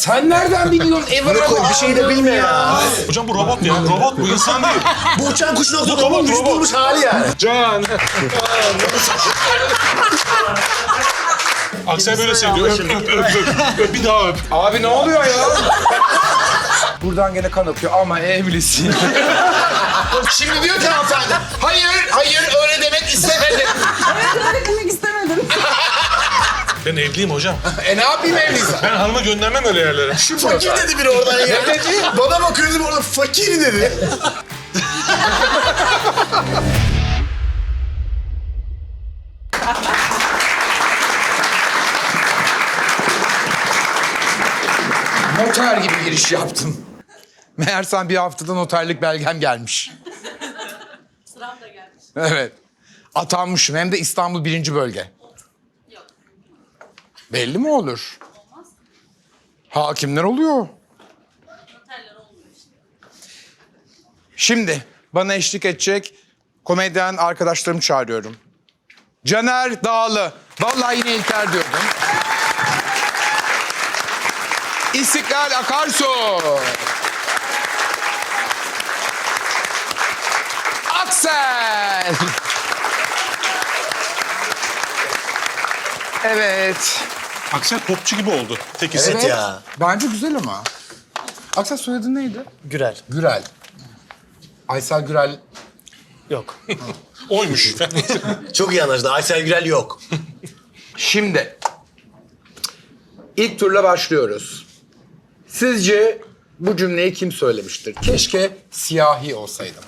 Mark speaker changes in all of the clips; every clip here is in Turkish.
Speaker 1: Sen nereden biliyorsun?
Speaker 2: Bir şey de bilmiyor ya.
Speaker 3: Hocam bu robot ya. Robot bu insan değil.
Speaker 2: Bu uçan kuş nokta
Speaker 3: robot,
Speaker 2: vücut
Speaker 3: robot.
Speaker 2: bulmuş hali yani.
Speaker 3: Can. Aksel böyle seviyor. Öp. Bir daha öp.
Speaker 1: Abi ne oluyor ya? Buradan gene kan akıyor ama evlisin. Şimdi diyor ki hanımefendi, hayır öyle demek istemedim.
Speaker 4: Öyle demek istemedim.
Speaker 3: Ben evliyim hocam.
Speaker 1: Ne yapayım evliysen?
Speaker 3: Ben hanımı göndermem öyle yerlere.
Speaker 2: Fakir dedi biri oradan ya.
Speaker 1: Ne dedi?
Speaker 2: Bana bakıyordu orada fakir dedi.
Speaker 1: Noter gibi giriş yaptım. Meğersem bir haftada noterlik belgem gelmiş.
Speaker 4: Sıram da gelmiş.
Speaker 1: Evet. Atanmışım hem de İstanbul 1. bölge.
Speaker 4: Yok.
Speaker 1: Belli mi olur?
Speaker 4: Olmaz.
Speaker 1: Hakimler oluyor.
Speaker 4: Noterler olmuyor işte.
Speaker 1: Şimdi bana eşlik edecek komedyen arkadaşlarımı çağırıyorum. Caner Dağlı. Vallahi yine İlker diyordum. İstiklal Akarsu. Aksel. Evet.
Speaker 3: Aksel popçu gibi oldu. Tek isim.
Speaker 2: Evet ya.
Speaker 1: Bence güzel ama. Aksel soyadın neydi?
Speaker 5: Gürel.
Speaker 1: Gürel. Aysel Gürel.
Speaker 5: Yok.
Speaker 3: Oymuş.
Speaker 2: Çok iyi anlaşıldı. Aysel Gürel yok.
Speaker 1: Şimdi ilk turla başlıyoruz. Sizce bu cümleyi kim söylemiştir? Keşke siyahi olsaydım.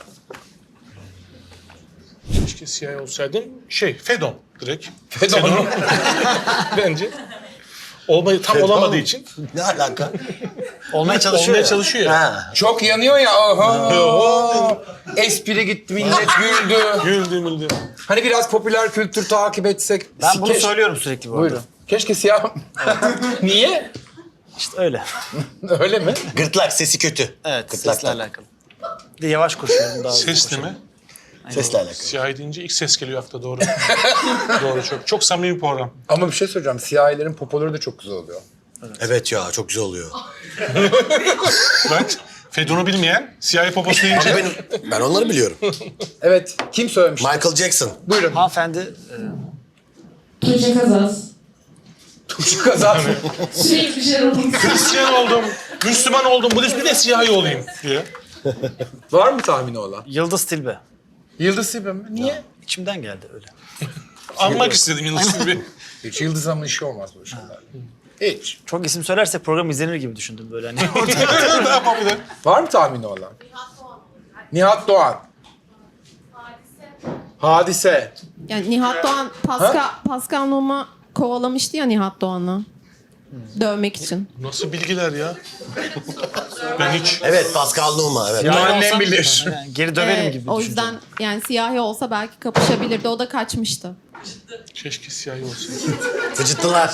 Speaker 3: Keşke siyah olsaydım. Fedon direkt.
Speaker 1: Fedon.
Speaker 3: Bence. Tam
Speaker 2: Fedon.
Speaker 3: olamadığı için.
Speaker 2: Ne alaka?
Speaker 5: Olmaya çalışıyor
Speaker 3: Olmaya
Speaker 5: ya.
Speaker 3: çalışıyor ya.
Speaker 2: Ha.
Speaker 1: Çok yanıyor ya. Aha. Espri gitti, millet güldü.
Speaker 3: Güldü.
Speaker 1: Hani biraz popüler kültür takip etsek.
Speaker 5: Ben bunu söylüyorum sürekli bu arada.
Speaker 1: Buyurun. Keşke siyah... Niye?
Speaker 5: İşte öyle.
Speaker 1: Öyle mi?
Speaker 2: Gırtlak sesi kötü.
Speaker 5: Evet,
Speaker 2: Gırtlak
Speaker 5: sesle alakalı. Bir de yavaş koşuyorum daha hızlı
Speaker 3: Ses değil
Speaker 5: koşuyorum.
Speaker 3: mi?
Speaker 2: Sesle alakalı.
Speaker 3: Siyah deyince ilk ses geliyor akla doğru. Doğru çok. Çok samimi bir program.
Speaker 1: Ama bir şey söyleyeceğim. Siyahilerin popoları da çok güzel oluyor.
Speaker 2: Evet ya çok güzel oluyor.
Speaker 3: Bak Fedon'u bilmeyen siyahi poposu deyince.
Speaker 2: Ben onları biliyorum.
Speaker 1: Evet. Kim söylemiş?
Speaker 2: Michael Jackson.
Speaker 1: Buyurun.
Speaker 5: Hanımefendi
Speaker 4: Tuğçe Kazaz.
Speaker 1: Tuğçe Kazan.
Speaker 4: Sürekli bir şeyler oldu.
Speaker 3: Hristiyan oldum, Müslüman oldum, Budist bir de siyahi olayım diye.
Speaker 1: Var mı tahmini olan?
Speaker 5: Yıldız Tilbe.
Speaker 1: Yıldız Tilbe mi? Niye?
Speaker 5: İçimden geldi öyle.
Speaker 3: Anmak istedim Yıldız gibi.
Speaker 1: Hiç Yıldız Hanım'ın işi olmaz bu şeyler. Hiç.
Speaker 5: Çok isim söylersek program izlenir gibi düşündüm böyle hani.
Speaker 3: Ne yapabilir?
Speaker 1: Var mı tahmini olan? Nihat Doğan. Hadise.
Speaker 6: Yani Nihat Doğan Pascal Numa kovalamıştı ya Nihat Doğan'ı. Dövmek için.
Speaker 3: Nasıl bilgiler ya? Ben hiç...
Speaker 2: Evet Pascal Numa. Evet.
Speaker 1: Bunu annem
Speaker 3: olsam-
Speaker 1: bilir.
Speaker 5: Yani geri döverim gibi
Speaker 6: O
Speaker 5: düşündüm.
Speaker 6: yüzden yani siyahi olsa belki kapışabilirdi. O da kaçmıştı.
Speaker 3: Keşke siyahi olsun.
Speaker 2: Fıcıttılar.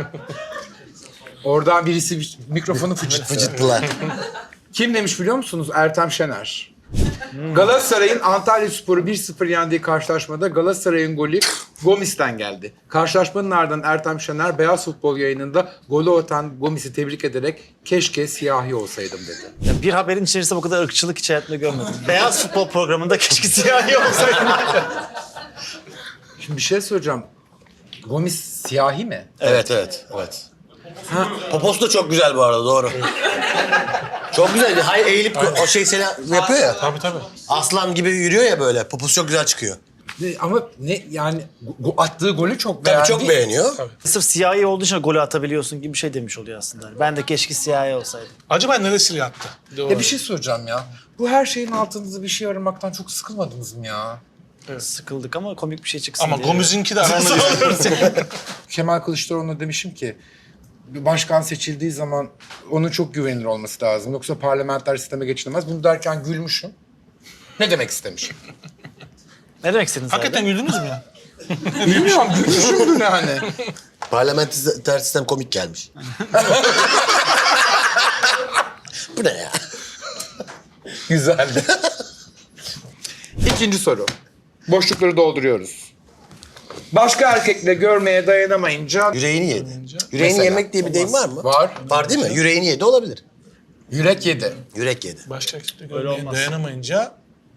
Speaker 1: Oradan birisi mikrofonu fıçıttı.
Speaker 2: Fıcıttılar.
Speaker 1: Kim demiş biliyor musunuz? Ertem Şener. Galatasaray'ın Antalyaspor'u 1-0 yendiği karşılaşmada Galatasaray'ın golü Gomis'ten geldi. Karşılaşmanın ardından Ertem Şener Beyaz Futbol yayınında golü atan Gomis'i tebrik ederek keşke siyahi olsaydım dedi.
Speaker 5: Ya bir haberin içerisinde bu kadar ırkçılık hiç hayatımda görmedim. Beyaz futbol programında keşke siyahi olsaydım.
Speaker 1: Şimdi bir şey söyleyeceğim. Gomis siyahi mi?
Speaker 2: Evet. Poposu da çok güzel bu arada doğru. Çok güzel. Hayır eğilip o şey seni yapıyor ya.
Speaker 3: Tabii.
Speaker 2: Aslan gibi yürüyor ya böyle. Poposu çok güzel çıkıyor.
Speaker 1: Ama ne yani attığı golü çok
Speaker 2: Tabii
Speaker 1: beğendi.
Speaker 2: çok beğeniyor.
Speaker 5: Sırf siyahi olduğu için golü atabiliyorsun gibi bir şey demiş oluyor aslında. Ben de keşke siyahi olsaydım.
Speaker 3: Acaba neresiyle yattı?
Speaker 1: Ya bir şey söyleyeceğim ya. Bu her şeyin altında bir şey aramaktan çok sıkılmadınız mı ya?
Speaker 5: Sıkıldık ama komik bir şey çıksın
Speaker 3: Ama
Speaker 5: diye.
Speaker 3: Gomez'inki de aramda.
Speaker 1: Kemal Kılıçdaroğlu'na demişim ki bir başkan seçildiği zaman onun çok güvenilir olması lazım. Yoksa parlamenter sisteme geçilemez. Bunu derken gülmüşüm. Ne demek istemişim?
Speaker 5: Ne demek istediniz
Speaker 3: Hakikaten
Speaker 5: abi?
Speaker 3: güldünüz mü ya?
Speaker 1: Bilmiyorum, gülmüşümdür yani.
Speaker 2: Parlamenter sistem komik gelmiş. Bu ne ya?
Speaker 1: Güzeldi. İkinci soru. Boşlukları dolduruyoruz. Başka erkekle görmeye dayanamayınca
Speaker 2: Yüreğini yedi. Yüreğini
Speaker 1: Mesela.
Speaker 2: yemek diye bir deyim var mı?
Speaker 1: Var.
Speaker 2: Var değil mi? Yüreğini yedi olabilir.
Speaker 1: Yürek yedi.
Speaker 2: Yürek yedi.
Speaker 3: Başka erkekle görmeye dayanamayınca...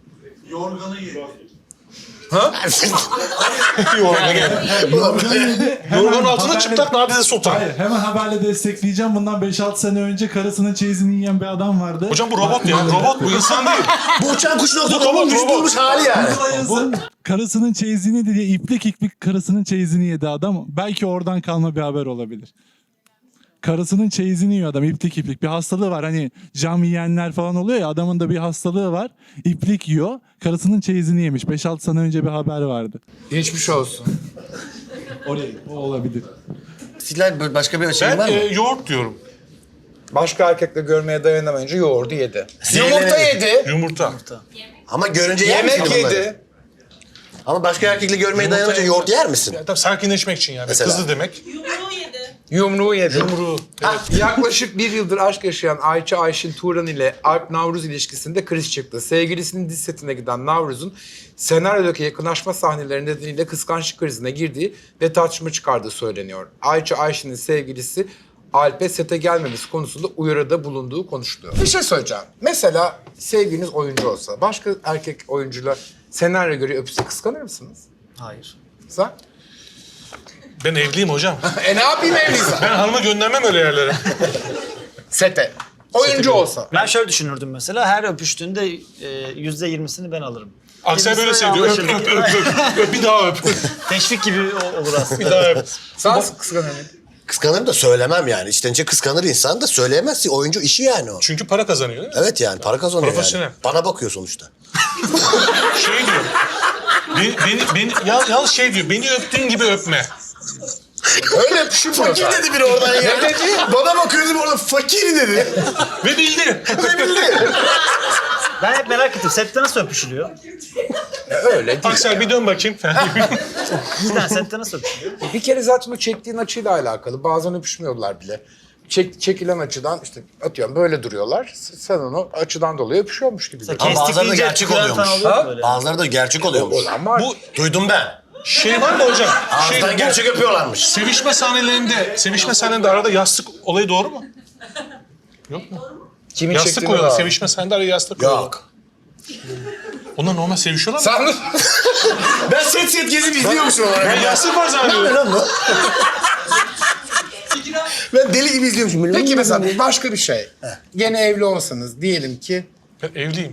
Speaker 3: Yorganın altında çıplak Nadide Sultan.
Speaker 7: Hayır, hemen haberle destekleyeceğim. Bundan 5-6 sene önce karısının çeyizini yiyen bir adam vardı.
Speaker 3: Hocam bu robot ya. Robot bu insan değil.
Speaker 2: Bu uçan kuş nokta
Speaker 3: robot,
Speaker 2: düş
Speaker 3: robot.
Speaker 2: bulmuş hali yani.
Speaker 7: Bu karısının çeyizini diye iplik karısının çeyizini yedi adam. Belki oradan kalma bir haber olabilir. Karısının çeyizini yiyor adam iplik. Bir hastalığı var, hani cam yiyenler falan oluyor ya, adamın da bir hastalığı var. İplik yiyor. Karısının çeyizini yemiş. 5-6 sene önce bir haber vardı.
Speaker 1: Geçmiş olsun.
Speaker 7: Oraya o olabilir.
Speaker 2: Sizler başka bir şey
Speaker 3: Ben
Speaker 2: var mı?
Speaker 3: yoğurt diyorum.
Speaker 1: Başka erkekle görmeye dayanamayınca yoğurdu yedi.
Speaker 2: Zehirlenedi.
Speaker 1: Yumurta yedi.
Speaker 3: Yumurta.
Speaker 2: Ama görünce yer misin
Speaker 1: Yemek
Speaker 2: bunları?
Speaker 1: yedi.
Speaker 2: Ama başka erkekle görmeye dayanamayınca yoğurt yer misin?
Speaker 3: Ya, tabii sakinleşmek için yani.
Speaker 2: Mesela.
Speaker 3: Kızı demek.
Speaker 4: Yumruğu yedi.
Speaker 1: Yumruğu yedi.
Speaker 3: Yumruğu. Evet.
Speaker 1: Yaklaşık bir yıldır aşk yaşayan Ayça Ayşin Turan ile Alp Navruz ilişkisinde kriz çıktı. Sevgilisinin dizi setine giden Navruz'un senaryodaki yakınlaşma sahneleri nedeniyle kıskançlık krizine girdiği ve tartışma çıkardığı söyleniyor. Ayça Ayşin'in sevgilisi Alp'e sete gelmemesi konusunda uyarıda bulunduğu konuşuluyor. Bir şey söyleyeceğim. Mesela sevgiliniz oyuncu olsa, başka erkek oyuncuyla senaryo göre öpse kıskanır mısınız?
Speaker 5: Hayır.
Speaker 1: Sen?
Speaker 3: Ben evliyim hocam.
Speaker 1: Ne yapayım evliysen?
Speaker 3: Ben hanıma göndermem öyle yerlere.
Speaker 1: Sete. Oyuncu olsa.
Speaker 5: Ben şöyle düşünürdüm mesela, her öpüştüğünde %20'sini ben alırım.
Speaker 3: Aksel böyle
Speaker 5: Gerisi
Speaker 3: seviyor. Öp,
Speaker 5: anlaşılır.
Speaker 3: öp, öp, öp, öp. Bir daha öp.
Speaker 5: Teşvik gibi olur aslında.
Speaker 3: Bir daha öp.
Speaker 1: Sen kıskanır mısın?
Speaker 2: Kıskanırım da söylemem yani. İçten içe kıskanır insan da söyleyemezsin. Oyuncu işi yani o.
Speaker 3: Çünkü para kazanıyor değil mi?
Speaker 2: Evet yani para kazanıyor
Speaker 3: Profesyonel.
Speaker 2: yani. Bana bakıyor sonuçta.
Speaker 3: Şey diyor. Yalnız şey diyor. Beni öptüğün gibi öpme.
Speaker 1: Öyle öpüşülmüyor.
Speaker 2: Fakir dedi biri oradan ya. Ne dedi? Bana bakıyor dedi orada fakir dedi.
Speaker 3: Ve bildi.
Speaker 5: Ben hep merak ettim, sette nasıl öpüşülüyor?
Speaker 1: Öyle değil.
Speaker 3: Aksel bir dön bakayım.
Speaker 5: Cidden sette nasıl öpüşülüyor?
Speaker 1: Bir kere zaten o çektiğin açıyla alakalı. Bazen öpüşmüyorlar bile. Çekilen açıdan işte atıyorum böyle duruyorlar. Sen onu açıdan dolayı öpüşüyormuş gibi.
Speaker 2: Ama
Speaker 5: Kestik
Speaker 2: bazıları da
Speaker 5: deyince
Speaker 2: gerçek
Speaker 5: tüküren falan
Speaker 2: oluyormuş.
Speaker 5: oluyor mu böyle?
Speaker 2: Bazıları da gerçek oluyormuş.
Speaker 1: Ama
Speaker 3: Bu
Speaker 2: Duydum ben.
Speaker 3: şey var mı hocam?
Speaker 2: Ağızdan
Speaker 3: Bu
Speaker 2: gerçek öpüyorlarmış.
Speaker 3: sevişme sahnelerinde arada yastık olayı doğru mu? Yok mu?
Speaker 1: kimin
Speaker 3: Yastık
Speaker 1: çektiğini
Speaker 3: koyuyorlar.
Speaker 1: var.
Speaker 3: Sevişme sahnelerinde araya yastık koyuyorlar.
Speaker 2: Yok.
Speaker 3: Onlar normal sevişiyorlar mı?
Speaker 1: Sen
Speaker 2: Ben set gezip izliyormuşum olarak.
Speaker 3: Ben yastık var
Speaker 2: Ne
Speaker 3: zannediyorum.
Speaker 2: lan bu? Ben deli gibi izliyormuşum.
Speaker 1: Peki mesela başka bir şey. Gene evli olsanız diyelim ki
Speaker 3: Ben evliyim.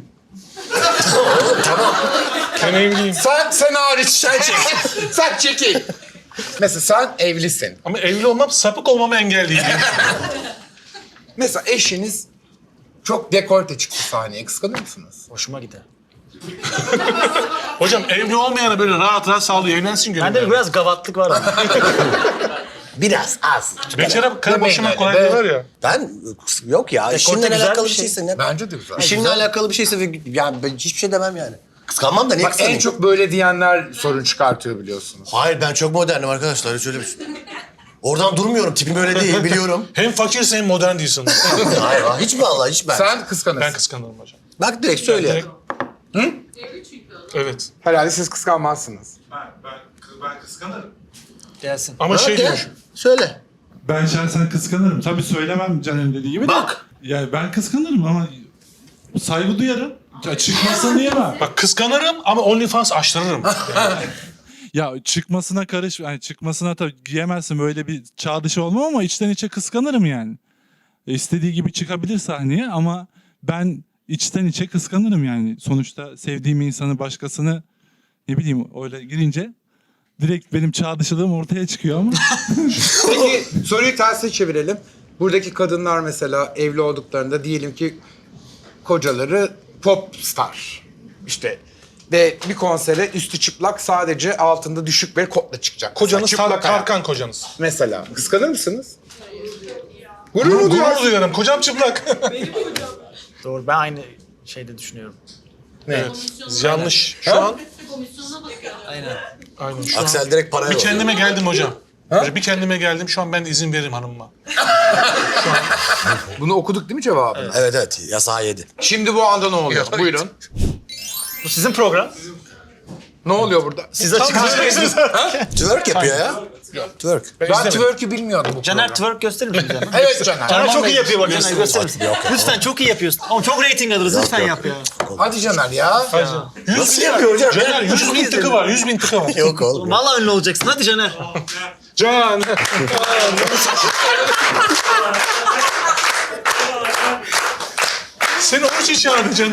Speaker 3: Ben evliyim.
Speaker 1: sen hariç sen çek. Sen çekil. Mesela sen evlisin.
Speaker 3: Ama evli olmam sapık olmama engel değil.
Speaker 1: Mesela eşiniz çok dekolte çıktı sahneye. Kıskanır mısınız?
Speaker 5: Hoşuma gider.
Speaker 3: Hocam evli olmayana böyle rahat rahat sağlıyor. Evlensin gönül.
Speaker 5: Bende biraz gavatlık var ama.
Speaker 2: Biraz az.
Speaker 3: Bekara karı
Speaker 1: Demeyin
Speaker 3: boşamak
Speaker 1: öyle
Speaker 3: kolay
Speaker 1: be.
Speaker 3: diyorlar ya.
Speaker 2: Ben yok ya. İşinle
Speaker 5: güzel
Speaker 2: alakalı
Speaker 5: bir
Speaker 2: bir
Speaker 5: şey.
Speaker 2: şeyse ne?
Speaker 1: Bence de güzel.
Speaker 2: İşinle alakalı bir şeyse ve yani ben hiçbir şey demem yani. Kıskanmam da niye
Speaker 1: Bak en
Speaker 2: kıskanayım?
Speaker 1: çok böyle diyenler sorun çıkartıyor biliyorsunuz.
Speaker 2: Hayır ben çok modernim arkadaşlar. Hiç öyle bir şey. Oradan durmuyorum. Tipim öyle değil biliyorum.
Speaker 3: Hem fakirsin hem modern değilsin.
Speaker 2: Hayır hiç mi Allah hiç ben.
Speaker 1: Sen kıskanırsın.
Speaker 3: Ben kıskanırım hocam.
Speaker 2: Bak direkt söyle.
Speaker 3: Direkt- Evet.
Speaker 1: Herhalde siz kıskanmazsınız.
Speaker 8: Ben kıskanırım.
Speaker 5: Gelsin.
Speaker 3: Ama şey
Speaker 2: Hadi,
Speaker 3: diyormuş.
Speaker 2: söyle.
Speaker 7: Ben şahsen kıskanırım. Tabii söylemem Caner'in dediği gibi de.
Speaker 2: Bak.
Speaker 7: Yani ben kıskanırım ama saygı duyarım. Ya çıkmasını diyemem.
Speaker 3: Bak kıskanırım ama OnlyFans açtırırım.
Speaker 7: Ya çıkmasına yani çıkmasına tabii giyemezsin, böyle bir çağ dışı olmam ama içten içe kıskanırım yani. İstediği gibi çıkabilir sahneye ama ben içten içe kıskanırım yani. Sonuçta sevdiğim insanı, başkasını ne bileyim öyle girince direkt benim çağ dışılığım ortaya çıkıyor ama.
Speaker 1: Peki soruyu tersine çevirelim. Buradaki kadınlar mesela evli olduklarında diyelim ki kocaları pop star. İşte ve bir konsere üstü çıplak sadece altında düşük bir kotla çıkacak.
Speaker 3: Kocanız
Speaker 1: Mesela çıplak ayak.
Speaker 3: Tarkan kocanız.
Speaker 1: Mesela kıskanır mısınız? Gurur
Speaker 3: Gurur
Speaker 1: duyarsınız.
Speaker 3: duyarım. Kocam çıplak.
Speaker 5: Doğru, ben aynı şeyde düşünüyorum.
Speaker 3: Evet. Yanlış. Şu an
Speaker 4: Komisyonuna bakıyor.
Speaker 3: aynen şu an.
Speaker 2: Aksel direkt paraya
Speaker 3: Bir
Speaker 2: oluyor.
Speaker 3: kendime geldim hocam. Bir kendime geldim. Şu an ben de izin veririm hanımıma.
Speaker 1: Bunu okuduk değil mi cevabını?
Speaker 2: Evet evet yasağı yedi.
Speaker 1: Şimdi bu anda ne oluyor? Buyurun.
Speaker 5: Bu sizin program.
Speaker 1: Ne oluyor burada?
Speaker 5: Siz açıklayacaksınız.
Speaker 2: Twerk yapıyor ya. Twerk.
Speaker 1: Ben twerk'ü bilmiyordum bu
Speaker 5: Caner
Speaker 1: programda.
Speaker 5: twerk gösterir misin Caner?
Speaker 1: Evet Caner.
Speaker 5: Caner çok iyi yapıyor bak Caner gösterir misin?
Speaker 2: Yok ya.
Speaker 5: Lütfen çok iyi yapıyorsun. Ama çok rating alırız lütfen
Speaker 2: yok.
Speaker 5: yap ya.
Speaker 1: Hadi Caner ya.
Speaker 2: Nasıl yapıyor hocam?
Speaker 3: Caner 100 bin tıkı var, 100 bin tıkı var.
Speaker 2: Yok oğlum.
Speaker 5: Vallahi ünlü olacaksın hadi Caner.
Speaker 3: Can. Seni onun için çağırdı canım.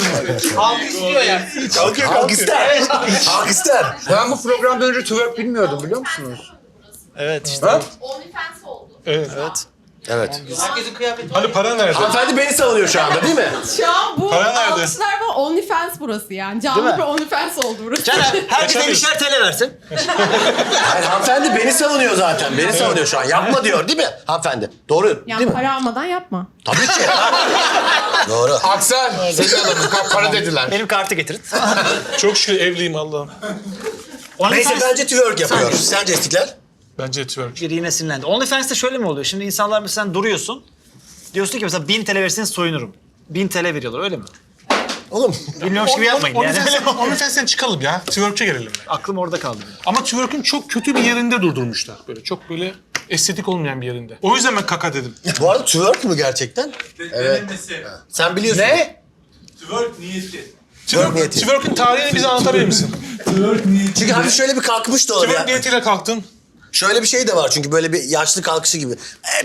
Speaker 2: Halk ister. Halk ister.
Speaker 1: Ben bu programdan önce twerk bilmiyordum biliyor musunuz?
Speaker 5: Evet işte.
Speaker 1: Ha?
Speaker 4: OnlyFans oldu.
Speaker 3: Evet.
Speaker 2: Evet.
Speaker 3: Hani para nerede?
Speaker 2: Hanımefendi beni savunuyor şu anda değil mi?
Speaker 6: Şu an bu
Speaker 3: Para nerede?
Speaker 6: alkışlar var. OnlyFans burası yani.
Speaker 5: Değil
Speaker 6: Canlı
Speaker 5: mi?
Speaker 6: bir OnlyFans oldu burası.
Speaker 5: Caner herkese
Speaker 3: Kaçamıyorsun.
Speaker 5: 50'şer TL versin.
Speaker 2: Hayır, hanımefendi beni savunuyor zaten. Beni savunuyor şu an. Yapma diyor değil mi hanımefendi? Doğru değil
Speaker 6: Yani
Speaker 2: mi?
Speaker 6: para almadan yapma.
Speaker 2: Tabii ki. Doğru.
Speaker 1: Aksel, senin adamın para dediler.
Speaker 5: Benim kartı getirin.
Speaker 3: Çok şükür evliyim Allah'ım.
Speaker 2: Neyse bence twerk yapıyor. Sence İstiklal?
Speaker 3: Bence twerk.
Speaker 5: Biri yine sinirlendi. OnlyFans'te şöyle mi oluyor? Şimdi insanlar mesela sen duruyorsun. Diyorsun ki mesela 1000 TL verirseniz soyunurum. 1000 TL veriyorlar öyle mi?
Speaker 2: Oğlum.
Speaker 5: Bilmiyormuş gibi yapmayın yani.
Speaker 3: OnlyFans'ten çıkalım ya. Twerk'e gelelim.
Speaker 5: Aklım orada kaldı.
Speaker 3: Ama twerk'ün çok kötü bir yerinde durdurmuşlar. Böyle çok böyle estetik olmayan bir yerinde. O yüzden ben kaka dedim.
Speaker 2: Bu arada twerk mü gerçekten? Evet. Sen biliyorsun.
Speaker 1: Ne?
Speaker 7: Twerk niyeti.
Speaker 2: Twerk niyeti.
Speaker 3: Twerk'ün tarihini bize anlatabilir misin?
Speaker 7: Twerk niyeti.
Speaker 2: Çünkü hafif şöyle bir kalkmış da olabilir.
Speaker 3: Twerk niyetiyle kalktın.
Speaker 2: Şöyle bir şey de var çünkü böyle bir yaşlı kalkışı gibi.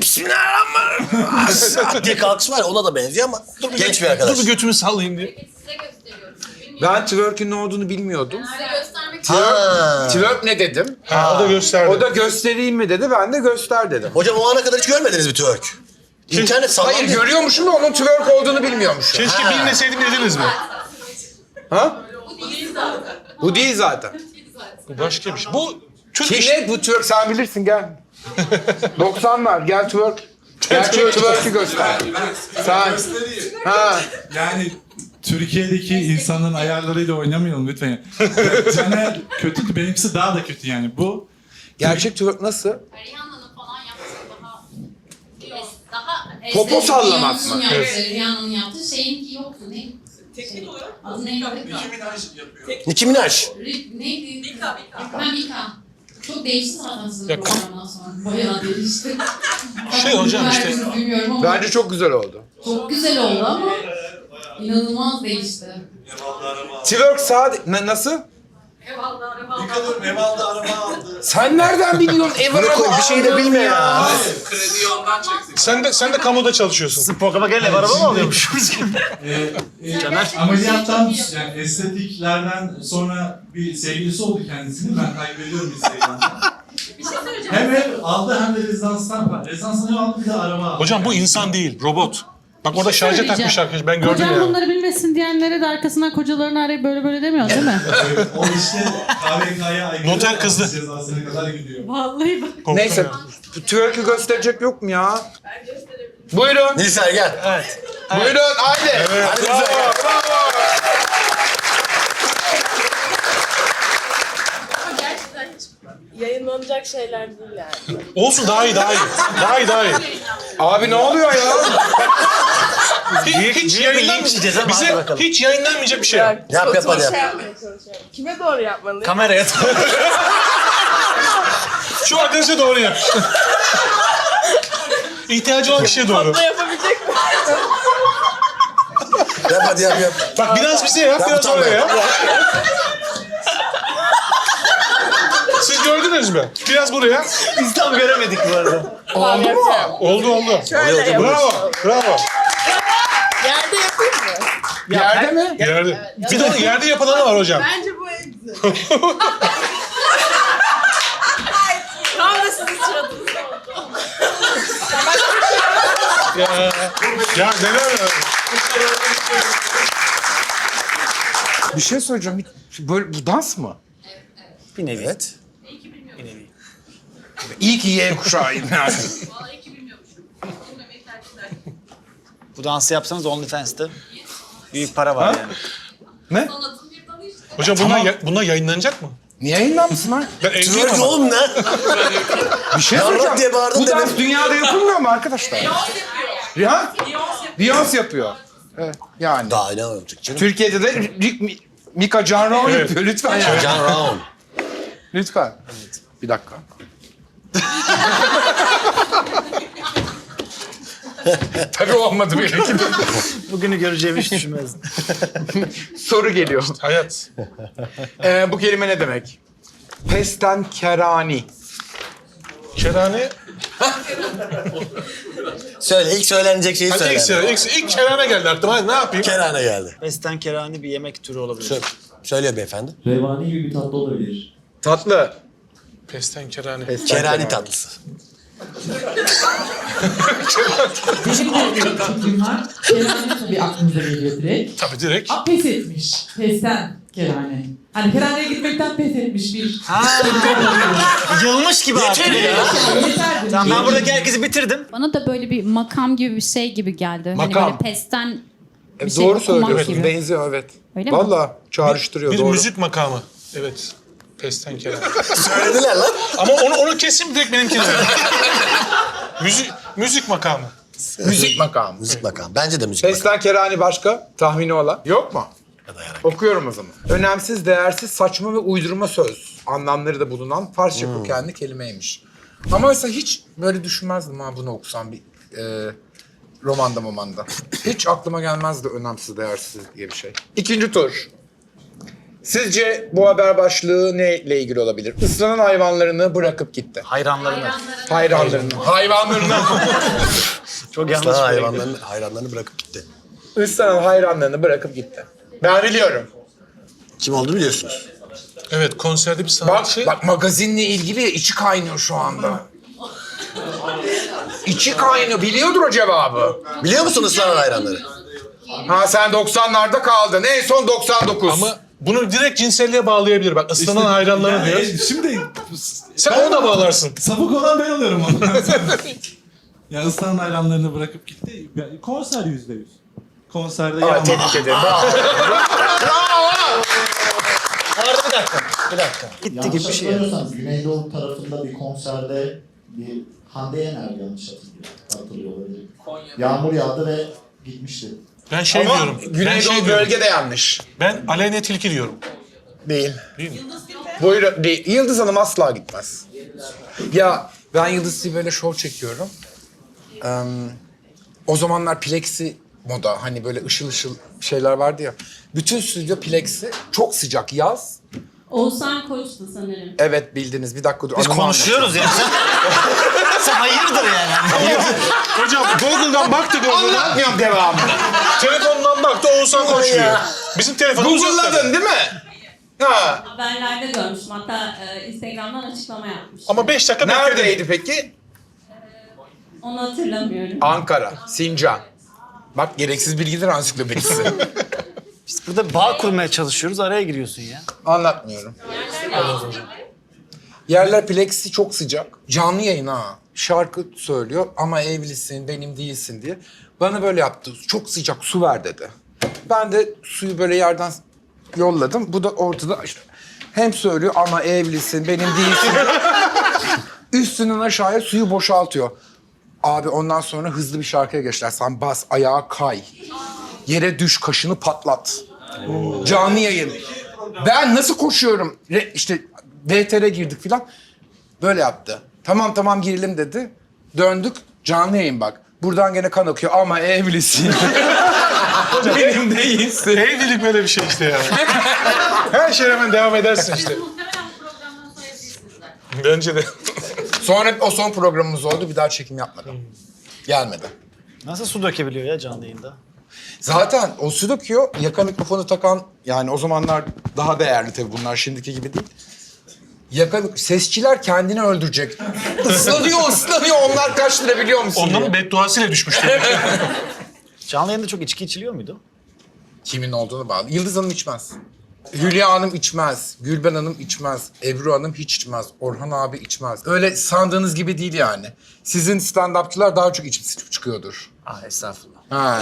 Speaker 2: Bismillahirrahmanirrahim diye kalkış var ya, ona da benziyor ama genç bir arkadaş.
Speaker 3: Dur bir götümü sallayayım diye.
Speaker 4: Size gösteriyorum. Bilmiyorum.
Speaker 1: Ben twerk'ün ne olduğunu bilmiyordum.
Speaker 4: Size göstermek için.
Speaker 1: Twerk ne dedim?
Speaker 3: Ha, o da gösterdi.
Speaker 1: O da göstereyim mi dedi, ben de göster dedim.
Speaker 2: Hocam o ana kadar hiç görmediniz mi twerk? İnternet sallandı.
Speaker 1: Hayır görüyormuşum da onun twerk olduğunu bilmiyormuşum.
Speaker 3: Keşke bilmeseydim dediniz mi?
Speaker 1: Ha?
Speaker 4: Bu değil zaten.
Speaker 1: Bu değil zaten.
Speaker 3: Bu başka bir şey. Bu Türk
Speaker 1: Kim
Speaker 3: iş.
Speaker 1: ne bu twerk sen bilirsin gel. 90'lar gel twerk. Gerçek twerk'ü göster. Sen. Ha.
Speaker 7: Yani Türkiye'deki insanların ayarlarıyla oynamayalım lütfen. Caner kötü, benimkisi daha da kötü yani. Bu
Speaker 1: Gerçek twerk nasıl?
Speaker 4: Rihanna'nın falan yaptığı daha
Speaker 1: Popo sallamak mı?
Speaker 4: Rihanna'nın yaptığı şeyinki yoktu. Ne? Teknik olarak. Adı neydi?
Speaker 2: Nicki Minaj.
Speaker 4: Neydi? Mika. Çok değişti zaten sizin
Speaker 3: Ya,
Speaker 4: programdan sonra. Bayağı değişti.
Speaker 3: Şey hocam işte.
Speaker 4: Bilmiyorum ama
Speaker 1: Bence çok güzel oldu.
Speaker 4: çok güzel oldu ama inanılmaz değişti.
Speaker 1: Twerk sade... Nasıl?
Speaker 4: Eyvallah.
Speaker 7: Eval'da araba aldı.
Speaker 1: Sen nereden biliyorsun?
Speaker 2: Bunu koy bir şey de bilme ya.
Speaker 3: Sen de kamuda çalışıyorsun.
Speaker 5: Programa gelen ev araba mı alıyormuş?
Speaker 7: Ameliyattan yani estetiklerden sonra bir sevgilisi oldu kendisinin. Ben kaybediyorum Instagram'da.
Speaker 4: Bir şey söyleyeceğim.
Speaker 7: Hem ev aldı hem de rezidanstan var. Rezidanstan ev aldı bir de araba aldı.
Speaker 3: Hocam bu insan değil, robot. Bak orada şarja
Speaker 9: söyleyeceğim.
Speaker 3: takmış arkadaş. Ben gördüm
Speaker 9: Kocam
Speaker 3: ya.
Speaker 9: bunları bilmesin diyenlere de arkasından kocalarını arayıp böyle böyle demiyor değil mi?
Speaker 7: O işte KVK'ya aykırı.
Speaker 3: Noter kızdı.
Speaker 7: Cezasına kadar gidiyor.
Speaker 9: Vallahi bak.
Speaker 3: Korktum
Speaker 1: Neyse.
Speaker 3: ya.
Speaker 1: Bu twerk'ü gösterecek yok mu ya? Buyurun.
Speaker 2: Nilüfer gel.
Speaker 5: Evet.
Speaker 1: Buyurun haydi.
Speaker 2: Hadi Nilüfer gel.
Speaker 10: Ama gerçekten hiç yayınlanacak şeyler değil yani.
Speaker 3: Olsun daha iyi.
Speaker 1: Abi ne oluyor ya?
Speaker 3: Hiç
Speaker 5: yiyeceğiz ama hadi
Speaker 3: bize
Speaker 5: bakalım.
Speaker 3: hiç yayınlanmayacak bir şey.
Speaker 2: Yap hadi yap.
Speaker 10: Şey yapmaya çalışıyorum. Kime doğru yapmalıyım?
Speaker 5: Kameraya
Speaker 3: Şu arkadaşa doğru yap. İhtiyacı olan kişiye doğru.
Speaker 10: Abla yapabilecek mi?
Speaker 2: Yap hadi yap.
Speaker 3: Bak biraz bize yap, biraz
Speaker 2: tamam.
Speaker 3: oraya yap. Siz gördünüz mü? Biraz buraya.
Speaker 5: Biz tam göremedik bu arada.
Speaker 1: Oldu mu?
Speaker 3: Oldu.
Speaker 10: Şöyle yap.
Speaker 3: Bravo.
Speaker 10: Yerde yapayım mı?
Speaker 1: Yerde mi?
Speaker 3: Yerde. Bir de yerde yapılanı var hocam.
Speaker 10: Bence bu en güzel. Tam da sizin sıradınızda oldu.
Speaker 3: Ya neler.
Speaker 1: Bir şey söyleyeceğim. Böyle bu dans mı?
Speaker 5: Bir nevi.
Speaker 2: Evet.
Speaker 1: İyi ki Y kuşağıyım yani.
Speaker 4: Vallahi ki bilmiyormuşum. Bilmemeyi tercih ederdim.
Speaker 5: Bu dansı yapsanız OnlyFans'te büyük para var yani.
Speaker 4: Sanatın bir dalı işte.
Speaker 3: Hocam bunlar yayınlanacak mı?
Speaker 1: Niye yayınlanmışsın lan?
Speaker 3: Ben evliyim
Speaker 2: Twerk
Speaker 3: ama.
Speaker 2: oğlum ne?
Speaker 1: Bir şey
Speaker 2: Yarrak
Speaker 1: söyleyeceğim.
Speaker 2: diye bağırdın
Speaker 1: Bu dans
Speaker 2: demin.
Speaker 1: dünyada yapılmıyor mu arkadaşlar? Ya? Beyoncé yapıyor. Evet, yani.
Speaker 2: Daha ne olacak canım?
Speaker 1: Türkiye'de de Rick Mika Can Raon
Speaker 3: Evet.
Speaker 1: yapıyor lütfen ya.
Speaker 2: Can Raon.
Speaker 1: Lütfen. Bir dakika. Tabii olmadı benimki.
Speaker 5: Bugünü göreceğimi hiç düşünmezdim.
Speaker 1: Soru geliyor.
Speaker 3: Hayat.
Speaker 1: Bu kelime ne demek? Pesten kerani.
Speaker 3: Kerane.
Speaker 2: Söyle ilk söylenecek şeyi
Speaker 3: Hadi
Speaker 2: söyle.
Speaker 3: ilk kerane geldi aklıma. Hadi ne yapayım?
Speaker 2: Kerane geldi.
Speaker 5: Pesten kerani bir yemek türü olabilir.
Speaker 2: Söylüyor beyefendi.
Speaker 11: Revani gibi bir tatlı olabilir.
Speaker 1: Tatlı.
Speaker 3: Pesten kerane.
Speaker 2: Kerani tatlısı.
Speaker 11: Benim de bir fikrim var. Kerane tabii aklınıza geliyor direkt.
Speaker 3: Tabii direkt.
Speaker 11: Pes etmiş. Pesten kerane. Hani keraneye gitmekten pes etmiş bir.
Speaker 5: Yılmış gibi artık ya.
Speaker 11: Yeterdir.
Speaker 5: Tamam ben buradaki herkesi bitirdim.
Speaker 4: Bana da böyle bir makam gibi bir şey gibi geldi.
Speaker 1: Makam.
Speaker 4: Hani böyle pesten bir şey
Speaker 1: Doğru
Speaker 4: okumak
Speaker 1: söylüyorsun.
Speaker 4: gibi.
Speaker 1: Benziyor evet.
Speaker 4: Öyle mi?
Speaker 1: Vallahi çağrıştırıyor
Speaker 3: Bir
Speaker 1: doğru.
Speaker 3: müzik makamı. Evet. Pesten kerane.
Speaker 2: Söylediler lan.
Speaker 3: Ama onu kesin direkt benimkine ver. müzik makamı.
Speaker 1: Müzik makamı.
Speaker 2: Müzik makamı. Bence de müzik makamı.
Speaker 1: Pesten kerani başka? Tahmini olan? Yok mu? Okuyorum o zaman. Önemsiz, değersiz, saçma ve uydurma söz anlamları da bulunan Farsça kökenli kelimeymiş. Ama mesela hiç böyle düşünmezdim ha bunu okusam bir romanda. Hiç aklıma gelmezdi önemsiz, değersiz diye bir şey. İkinci tur. Sizce bu haber başlığı neyle ilgili olabilir? Islanan hayvanlarını bırakıp gitti.
Speaker 5: Hayranlarına.
Speaker 1: Hayvanlarını.
Speaker 5: Çok yanlış
Speaker 2: Sana
Speaker 5: bir yere gidiyor.
Speaker 2: hayranlarını bırakıp gitti.
Speaker 1: Islanan hayranlarını bırakıp gitti. Ben biliyorum.
Speaker 2: Kim olduğunu biliyorsunuz.
Speaker 3: Evet konserde bir
Speaker 1: Bak,
Speaker 3: sanatçı.
Speaker 1: bak magazinle ilgili içi kaynıyor şu anda. İçi kaynıyor. Biliyordur o cevabı.
Speaker 2: Biliyor musun ıslanan hayranları?
Speaker 1: Ha sen 90'larda kaldın. En son 99.
Speaker 3: Ama bunu direkt cinselliğe bağlayabilir. Bak ıslanan hayranları diyor.
Speaker 7: Şimdi
Speaker 3: Sen onu da bağlarsın.
Speaker 7: sapık olan ben oluyorum ondan sonra. Ya ıslanan hayranlarını bırakıp gitti. Ya, konser %100. Konserde
Speaker 1: Aa,
Speaker 7: yağmur.
Speaker 1: tebrik ederim. Bravo.
Speaker 2: Arada bir dakika.
Speaker 5: Gitti gibi bir şey.
Speaker 11: hatırlamıyorsanız Güneydoğu tarafında bir konserde bir Hande Yener yanlış hatırlıyor olabilir. Yağmur yağdı ve gitmişti.
Speaker 3: Ben şey
Speaker 1: Ama
Speaker 3: diyorum.
Speaker 1: Güneydoğu bölge de yanlış.
Speaker 3: Ben Aleyna Tilki diyorum.
Speaker 1: Değil.
Speaker 3: Değil mi?
Speaker 1: Buyurun. Değil. Yıldız Hanım asla gitmez. Ya ben Yıldız'ı böyle şov çekiyorum. O zamanlar plexi moda. Hani böyle ışıl ışıl şeyler vardı ya. Bütün stüdyo plexi. Çok sıcak yaz.
Speaker 10: Oğuzhan Koç'tu sanırım.
Speaker 1: Evet bildiniz. Bir dakika dur.
Speaker 5: Biz
Speaker 1: anımı
Speaker 5: konuşuyoruz ya. Sen hayırdır yani.
Speaker 3: Hocam Google'dan baktık Google'dan.
Speaker 1: Anlatmıyorum devamını.
Speaker 3: Telefondan baktı Oğuzhan Koç diyor. Bizim telefonumuz yok tabii.
Speaker 1: Google'ladın değil mi? Ha.
Speaker 10: Haberlerde görmüştüm. Hatta Instagram'dan açıklama yapmış.
Speaker 3: Ama 5 dakika bekledim.
Speaker 1: Neredeydi peki?
Speaker 10: Onu hatırlamıyorum.
Speaker 1: Ankara, Sincan. Bak gereksiz bilgiler ansiklopedisi.
Speaker 5: Biz burada bağ kurmaya çalışıyoruz. Araya giriyorsun ya.
Speaker 1: Anlatmıyorum. Yerler plexi çok sıcak. Canlı yayın ha. Şarkı söylüyor ama evlisin, benim değilsin diye. Bana böyle yaptı. Çok sıcak su ver dedi. Ben de suyu böyle yerden yolladım. Bu da ortada işte hem söylüyor ama evlisin, benim değilsin. Üstünden aşağıya suyu boşaltıyor. Abi ondan sonra hızlı bir şarkıya geçtiler. Sen bas, ayağa kay. Yere düş, kaşını patlat. Canlı yayın. Ben nasıl koşuyorum? İşte VTR'e girdik filan. Böyle yaptı. Tamam girelim dedi. Döndük. Canlı yayın bak. Buradan gene kan akıyor ama evlisin. Benim değilsin.
Speaker 3: Evlilik böyle bir şey işte ya. Her şeye hemen devam edersin işte. Bence de.
Speaker 1: Sonra o son programımız oldu. Bir daha çekim yapmadım. Gelmedi.
Speaker 5: Nasıl su dökebiliyor ya canlı yayında?
Speaker 1: Zaten o su döküyor. Yaka mikrofonu takan yani o zamanlar daha değerli tabii bunlar şimdiki gibi değil. Sesçiler kendini öldürecek. Islanıyor. Onlar kaç lira biliyor musun?
Speaker 3: Onların bedduasıyla düşmüştü.
Speaker 5: Canlı yayında çok içki içiliyor muydu?
Speaker 1: Kimin olduğunu bağlı. Yıldız Hanım içmez. Hülya Hanım içmez. Gülben Hanım içmez. Ebru Hanım hiç içmez. Orhan abi içmez. Öyle sandığınız gibi değil yani. Sizin stand-upçılar daha çok içip çıkıyordur.
Speaker 5: Estağfurullah.
Speaker 1: Ha.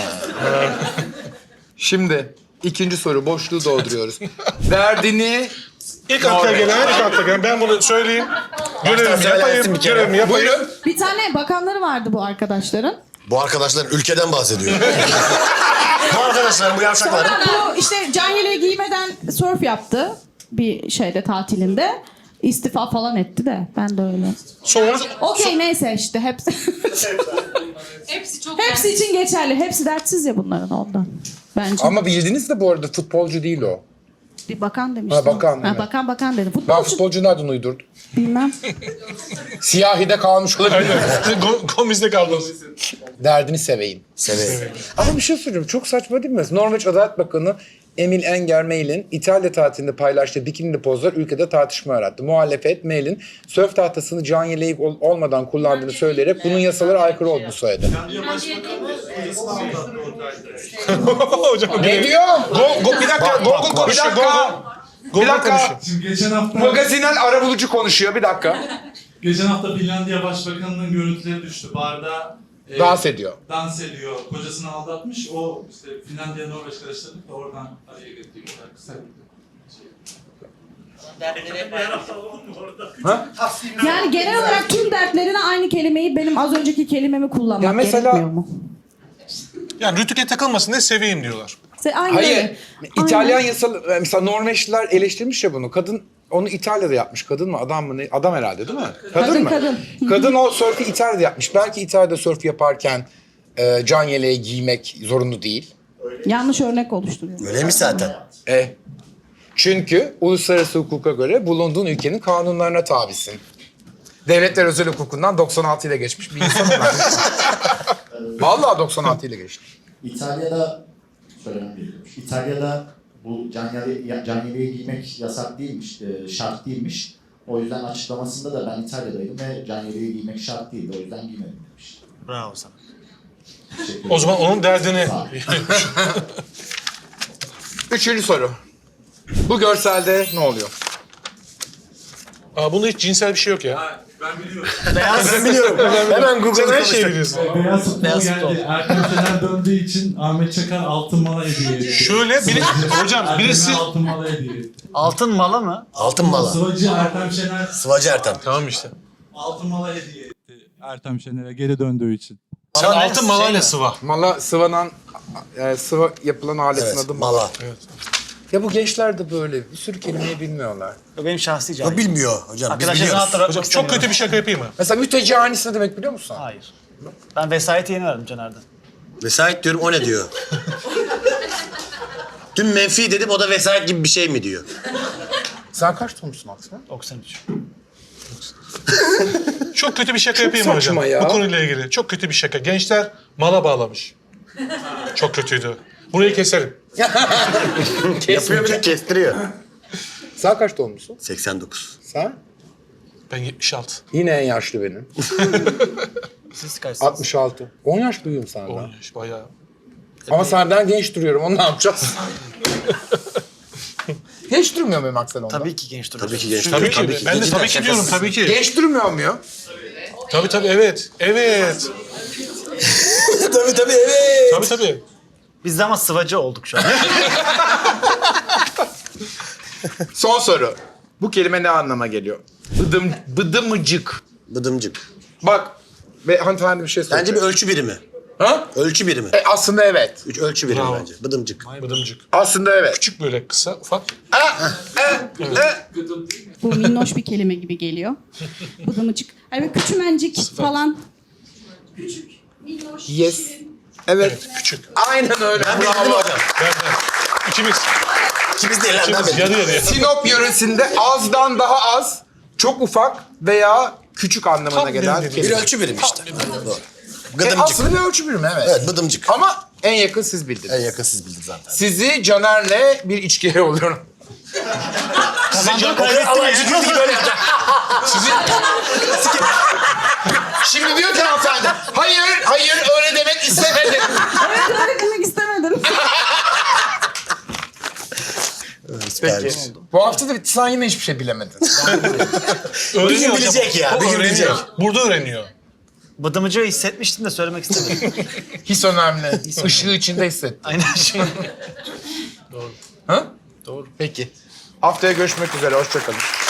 Speaker 1: Şimdi ikinci soru. Boşluğu dolduruyoruz. Derdini...
Speaker 3: İlk akla gelen ben bunu söyleyeyim. Görevimi yapayım.
Speaker 1: Buyurun.
Speaker 9: Bir tane bakanları vardı bu arkadaşların.
Speaker 2: Bu arkadaşlar ülkeden bahsediyor. Bu arkadaşlar bu yavşakların.
Speaker 9: Bu işte can yeleği giymeden surf yaptı bir şeyde tatilinde. İstifa falan etti de ben de öyle.
Speaker 3: Sonra
Speaker 9: Okey neyse işte hepsi.
Speaker 4: Hepsi çok
Speaker 9: Hepsi için geçerli. Hepsi dertsiz ya bunların ondan. Bence.
Speaker 1: Ama bildiniz de bu arada futbolcu değil o.
Speaker 9: Bir bakan demiştim.
Speaker 1: Ha, bakan, evet.
Speaker 9: Bakan dedim.
Speaker 1: Ben
Speaker 9: Futbolcu
Speaker 1: futbolcu nereden uydurdum?
Speaker 9: bilmem.
Speaker 1: Siyahi'de kalmış olabilir.
Speaker 3: Gomez'de kaldınız.
Speaker 1: Derdini seveyim.
Speaker 2: Severim.
Speaker 1: Ama bir şey söyleyeyim. Çok saçma değil mi? Norveç Adalet Bakanı Emil Enger Mehl'in İtalya tatilinde paylaştığı bikinili pozlar ülkede tartışma yarattı. Muhalefet Mehl'in sörf tahtasını can yeleği olmadan kullandığını söyleyerek bunun yasalara aykırı olduğunu söyledi.
Speaker 3: Hocam
Speaker 1: Ne diyor?
Speaker 3: bir dakika. Google konuşuyor.
Speaker 1: Bir dakika.
Speaker 7: Şimdi geçen hafta
Speaker 1: Magazinel arabulucu konuşuyor. Bir dakika.
Speaker 7: geçen hafta Finlandiya Başbakanı'nın görüntüleri düştü. Barda
Speaker 1: Dans ediyor.
Speaker 7: dans ediyor. Kocasını aldatmış. O işte Finlandiya Norveç karıştırdık da oradan araya girdiği kadar kısa.
Speaker 9: Yani genel olarak tüm dertlerine aynı kelimeyi benim az önceki kelimemi kullanmak
Speaker 1: Ya mesela-
Speaker 9: gerekmiyor mu?
Speaker 3: Yani rütüke takılmasın diye seveyim diyorlar.
Speaker 9: Aynen
Speaker 1: Hayır.
Speaker 9: öyle.
Speaker 1: İtalyan
Speaker 9: Aynen.
Speaker 1: yasal mesela Norveçliler eleştirmiş ya bunu. Kadın onu İtalya'da yapmış. Kadın mı adam mı ne? Adam herhalde değil mi?
Speaker 9: Kadın,
Speaker 1: mı?
Speaker 9: kadın.
Speaker 1: Kadın o sörfü İtalya'da yapmış. Belki İtalya'da sörf yaparken can yeleği giymek zorunlu değil.
Speaker 9: Yanlış örnek oluşturuyor.
Speaker 2: Öyleymiş zaten.
Speaker 1: Çünkü uluslararası hukuka göre bulunduğun ülkenin kanunlarına tabisin. Devletler özel hukukundan 96 ile geçmiş bir insanım ben. Vallahi 96 ile geçti.
Speaker 11: İtalya'da söylemem gerekiyormuş. İtalya'da bu can yeleği giymek yasak değilmiş, şart değilmiş. O yüzden açıklamasında da ben İtalya'daydım ve can yeleği giymek şart değildi. O yüzden giymedim demiş.
Speaker 5: Bravo sana.
Speaker 11: Teşekkür
Speaker 3: O zaman
Speaker 11: ederim.
Speaker 3: onun derdini...
Speaker 11: Sağ ol.
Speaker 1: Üçüncü soru. Bu görselde ne oluyor?
Speaker 3: Bunda hiç cinsel bir şey yok ya.
Speaker 7: Ben biliyorum.
Speaker 2: Ben biliyorum. Hemen Google'da
Speaker 3: Sen her şeyi biliyorsun.
Speaker 7: Beyaz futbol
Speaker 5: Beyaz
Speaker 7: geldi.
Speaker 5: futbol.
Speaker 7: Erkan Şener döndüğü için Ahmet Çakar altın mala hediye etti.
Speaker 3: Şöyle hocam birisi...
Speaker 7: Ertem'e altın mala hediye etti.
Speaker 5: Altın mala mı?
Speaker 2: Altın mala.
Speaker 7: Sıvacı Ertem Şener
Speaker 2: Sıvacı Ertem.
Speaker 3: Tamam işte.
Speaker 7: altın mala hediye etti. Ertem Şener'e geri döndüğü için.
Speaker 3: Sen
Speaker 5: Mala ne?
Speaker 3: altın malayla
Speaker 5: Şey mi?
Speaker 3: sıva.
Speaker 1: Mala sıvanan, sıva yapılan aletin
Speaker 2: Evet,
Speaker 1: adı mı?
Speaker 2: mala.
Speaker 1: Ya bu gençler de böyle bir sürü kelimeyi bilmiyorlar.
Speaker 5: O benim şahsi
Speaker 2: O
Speaker 5: cahilim.
Speaker 2: bilmiyor hocam. Biz
Speaker 5: Arkadaşlar
Speaker 2: biliyoruz.
Speaker 5: rahat bırakmak
Speaker 3: Hocam çok
Speaker 5: istemiyorum.
Speaker 3: kötü bir şaka yapayım mı?
Speaker 1: Mesela mütecanis ne demek biliyor musun?
Speaker 5: Hayır. Ben vesayeti yeni verdim Caner'den.
Speaker 2: Vesayet diyorum o ne diyor? Dün menfi dedim o da vesayet gibi bir şey mi diyor?
Speaker 1: Sen kaç doğumlusun aslında?
Speaker 5: 93.
Speaker 3: Çok kötü bir şaka yapayım mı hocam?
Speaker 1: saçma ya.
Speaker 3: Bu konuyla ilgili. Çok kötü bir şaka. Gençler mala bağlamış. Çok kötüydü. Burayı keserim.
Speaker 2: Yapıyor bir de kestiriyor.
Speaker 1: Sen kaç doğumlusun?
Speaker 2: 89.
Speaker 1: Sen?
Speaker 3: Ben 76.
Speaker 1: Yine en yaşlı benim.
Speaker 5: Siz kaçsınız?
Speaker 1: 66. 10 yaş büyüğüm senden.
Speaker 3: 10 yaş bayağı.
Speaker 1: Ama senden genç duruyorum. Onu ne yapacağız? Genç durmuyor muyum Aksel onda?
Speaker 5: Tabii ki genç duruyorsun.
Speaker 2: Tabii ki genç.
Speaker 3: Tabii ki. Ben de
Speaker 2: Cidden
Speaker 3: tabii ki diyorum
Speaker 2: şakasız.
Speaker 3: tabii ki.
Speaker 1: Genç durmuyor muyum?
Speaker 3: Tabii evet. Evet.
Speaker 2: tabii evet.
Speaker 3: Tabii.
Speaker 5: Biz de ama sıvacı olduk şu an.
Speaker 1: Son soru. Bu kelime ne anlama geliyor? Bıdımıcık.
Speaker 2: Bıdımcık.
Speaker 1: Bak. Ve hanımefendi bir şey söyleyecek.
Speaker 2: Bence bir ölçü birimi.
Speaker 1: Ha?
Speaker 2: Ölçü birimi.
Speaker 1: Aslında evet.
Speaker 2: Ölçü birimi
Speaker 3: Bravo.
Speaker 2: bence. Bıdımcık.
Speaker 3: Bıdımcık.
Speaker 1: Aslında evet.
Speaker 3: Küçük böyle kısa ufak.
Speaker 9: Bu minnoş bir kelime gibi geliyor. Bıdımıcık. Yani küçümencik falan.
Speaker 1: Yes. Evet.
Speaker 3: Küçük.
Speaker 1: Aynen öyle.
Speaker 2: Ben bildim
Speaker 1: Bravo.
Speaker 2: hocam.
Speaker 3: Ben. İkimiz.
Speaker 2: İkimiz değil lan ben
Speaker 3: İkimiz
Speaker 2: bildim.
Speaker 3: yarı yarıya.
Speaker 1: Sinop yöresinde azdan daha az, çok ufak veya küçük anlamına
Speaker 3: Tam
Speaker 1: gelen
Speaker 3: bildim.
Speaker 2: Bir
Speaker 1: kelime.
Speaker 2: ölçü birimi işte. Doğru. Gıdımcık.
Speaker 1: Aslında bir ölçü birimi evet.
Speaker 2: Evet bıdımcık.
Speaker 1: Ama en yakın siz bildiniz.
Speaker 2: En yakın siz bildiniz zaten.
Speaker 1: Sizi Caner'le bir içkiye oluyorum.
Speaker 5: Kazandığı kaybetti mi?
Speaker 2: böyle yapacak.
Speaker 1: Şimdi diyor ki hanımefendi, hayır öyle demek istemedim.
Speaker 9: Evet öyle demek istemedim.
Speaker 2: Süpermiş.
Speaker 1: Bu hafta da bitti, sen yine hiçbir şey bilemedin.
Speaker 2: Bir gün bilecek ya. Bir gün bilecek.
Speaker 3: Burada öğreniyor.
Speaker 5: Bıdımıcı hissetmiştim de söylemek istemedim.
Speaker 1: His önemli. Işığı içinde hissettim.
Speaker 5: Aynen şey.
Speaker 1: Ha? Doğru. Peki. Haftaya görüşmek üzere, hoşça kalın.